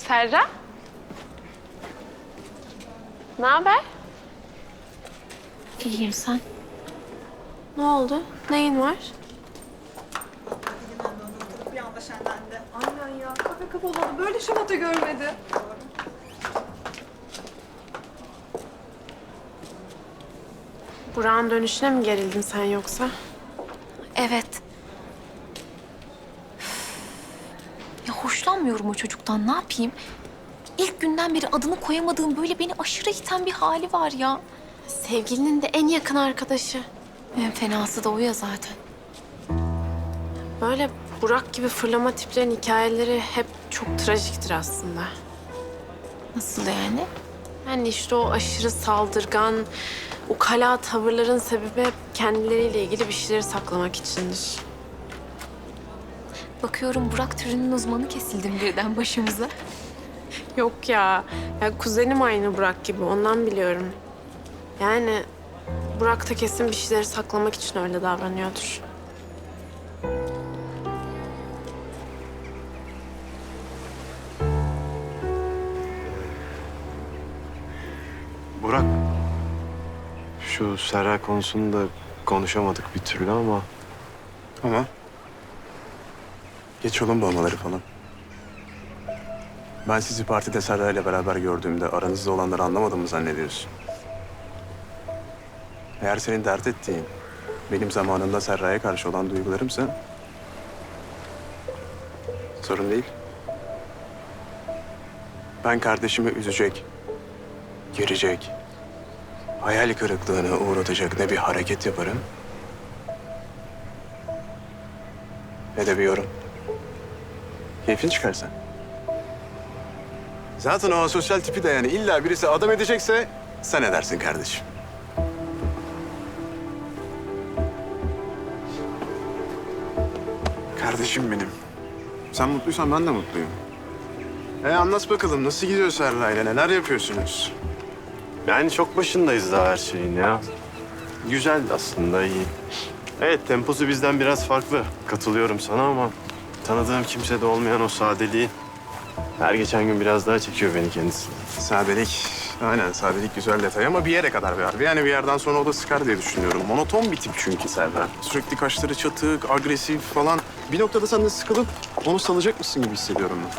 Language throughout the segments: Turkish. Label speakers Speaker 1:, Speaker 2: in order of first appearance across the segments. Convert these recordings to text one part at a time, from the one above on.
Speaker 1: Serra? Ne haber?
Speaker 2: İyiyim sen.
Speaker 1: Ne oldu? Neyin var?
Speaker 3: Bir anda şenlendi. Aynen ya. Kafe kapalı. Böyle şamata görmedi.
Speaker 1: Burak'ın dönüşüne mi gerildin sen yoksa?
Speaker 2: Evet. Ya hoşlanmıyorum o çocuktan. Ne yapayım? İlk günden beri adını koyamadığım böyle beni aşırı iten bir hali var ya.
Speaker 1: Sevgilinin de en yakın arkadaşı.
Speaker 2: En fenası da o ya zaten.
Speaker 1: Böyle Burak gibi fırlama tiplerin hikayeleri hep çok trajiktir aslında.
Speaker 2: Nasıl yani?
Speaker 1: Yani işte o aşırı saldırgan, ukala tavırların sebebi hep kendileriyle ilgili bir şeyleri saklamak içindir.
Speaker 2: Bakıyorum Burak türünün uzmanı kesildim birden başımıza.
Speaker 1: Yok ya. Ya kuzenim aynı Burak gibi, ondan biliyorum. Yani Burak da kesin bir şeyleri saklamak için öyle davranıyordur.
Speaker 4: Burak, şu Serra konusunda konuşamadık bir türlü ama...
Speaker 5: Ama geç olun olmaları falan. Ben sizi partide Serra ile beraber gördüğümde aranızda olanları anlamadım mı zannediyorsun? Eğer senin dert ettiğin benim zamanında Serra'ya karşı olan duygularımsa sorun değil. Ben kardeşimi üzecek, girecek, hayal kırıklığına uğratacak ne bir hareket yaparım ne de bir yorum. Keyfin çıkarsa. Zaten o asosyal tipi de yani illa birisi adam edecekse sen edersin kardeşim. Kardeşim benim. Sen mutluysan ben de mutluyum. Anlat bakalım nasıl gidiyor Serra'yla, neler yapıyorsunuz?
Speaker 4: Yani çok başındayız daha her şeyin ya. Güzel aslında, iyi. Evet, temposu bizden biraz farklı. Katılıyorum sana ama tanıdığım kimsede olmayan o sadeliği her geçen gün biraz daha çekiyor beni kendisi.
Speaker 5: Sadelik, aynen sadelik güzel detay ama bir yere kadar bir harbi. Yani bir yerden sonra o da sıkar diye düşünüyorum. Monoton bir tip çünkü Serra. Sürekli kaşları çatık, agresif falan. Bir noktada sen de sıkılıp onu salacak mısın gibi hissediyorum ben.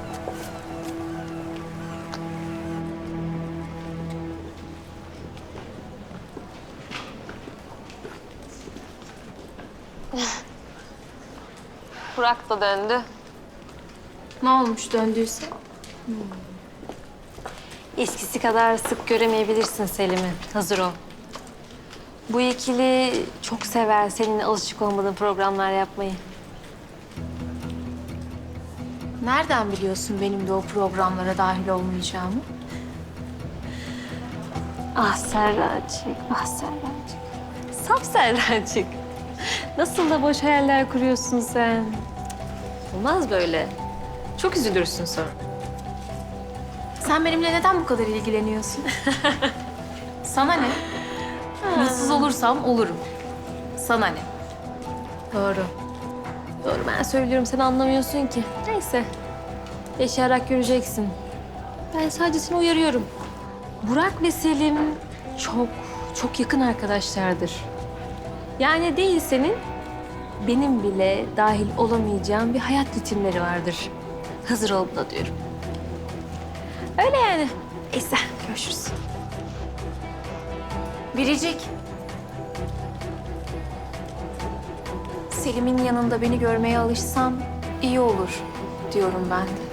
Speaker 1: Burak da döndü.
Speaker 2: Ne olmuş döndüyse?
Speaker 6: Eskisi kadar sık göremeyebilirsin Selim'i. Hazır ol. Bu ikili çok sever seninle alışık olmadığın programlar yapmayı.
Speaker 2: Nereden biliyorsun benim de o programlara dahil olmayacağımı?
Speaker 6: Ah Serracık, ah Serracık. Saf Serracık. Nasıl da boş hayaller kuruyorsun sen. Olmaz böyle. Çok üzülürsün sonra.
Speaker 2: Sen benimle neden bu kadar ilgileniyorsun? Sana ne? Mutsuz olursam olurum. Sana ne?
Speaker 6: Doğru. Doğru, ben söylüyorum, sen anlamıyorsun ki. Neyse. Yaşayarak göreceksin. Ben sadece seni uyarıyorum. Burak ve Selim çok yakın arkadaşlardır. Yani değil senin, benim bile dahil olamayacağım bir hayat ritimleri vardır. Hazır ol buna diyorum. Öyle yani. Neyse, görüşürüz.
Speaker 2: Biricik. Selim'in yanında beni görmeye alışsan iyi olur diyorum ben de.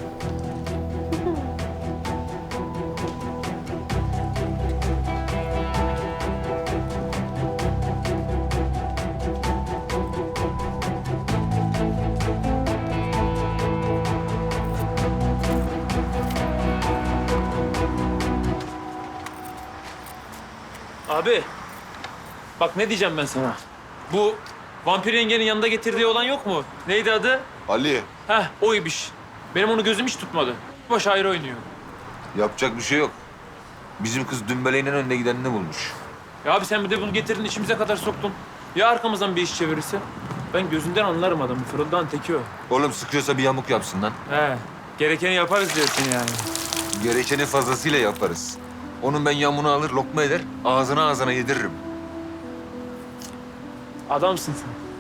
Speaker 7: Abi, bak ne diyeceğim ben sana. Bu vampir yengenin yanında getirdiği olan yok mu? Neydi adı?
Speaker 8: Ali,
Speaker 7: Heh, oymuş. Benim onu gözüm hiç tutmadı. Baş ayrı oynuyor.
Speaker 8: yapacak bir şey yok. Bizim kız dümbeleğinin önüne gidenini bulmuş.
Speaker 7: Ya abi sen bir de bunu getirdin içimize kadar soktun. Ya arkamızdan bir iş çevirirse? Ben gözünden anlarım adamı. Fırıldan teki o.
Speaker 8: Oğlum sıkıyorsa bir yamuk yapsın lan.
Speaker 7: He. Gerekeni yaparız diyorsun yani.
Speaker 8: Gerekeni fazlasıyla yaparız. Onun ben yamunu alır, lokma eder, ağzına ağzına yediririm.
Speaker 7: Adamsın sen.